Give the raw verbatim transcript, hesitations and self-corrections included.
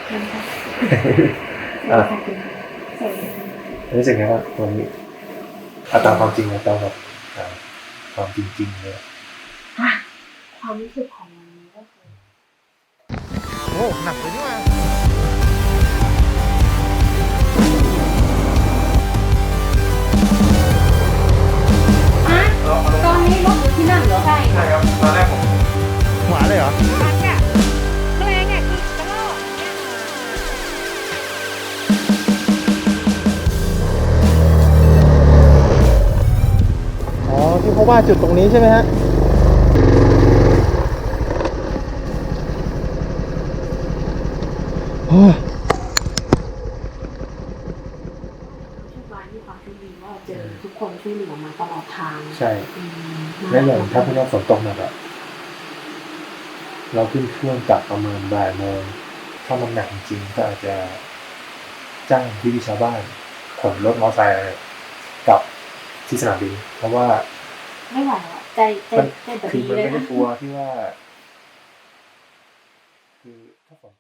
อ่ะรู้สึกไงว่าวันนี้เอาตามความจริงนะตามแบบความจริงๆเลยความรู้สึกของวันนี้ก็คือโอ้หนักเลยนี่ว่าตอนนี้รถอยู่ที่นั่นเหรอใช่ใช่ครับตอนแรกผมหวานเลยเหรอพักอะแรงอะคือกระโดดเนี่ยอ๋อที่เขาว่าจุดตรงนี้ใช่ไหมฮะโอ้ช่วงวันที่ความช่วยดีว่าเจอทุกคนช่วยเหลือมาตลอดทางใช่และอย่างถ้าพวกเราฝนตกหนักอะเราขึ้นเครื่องกลับประมาณบ่ายโมงถ้ามันหนักจริงก็อาจจะจ้างพี่ชาวบ้านขนรถมอเตอร์ไซค์กลับที่สนามบินเพราะว่าไม่ไหวแล้วใจใจใจแบบคือนี้มันเลยไม่ได้นะกลัวที่ว่าคือถ้าฝน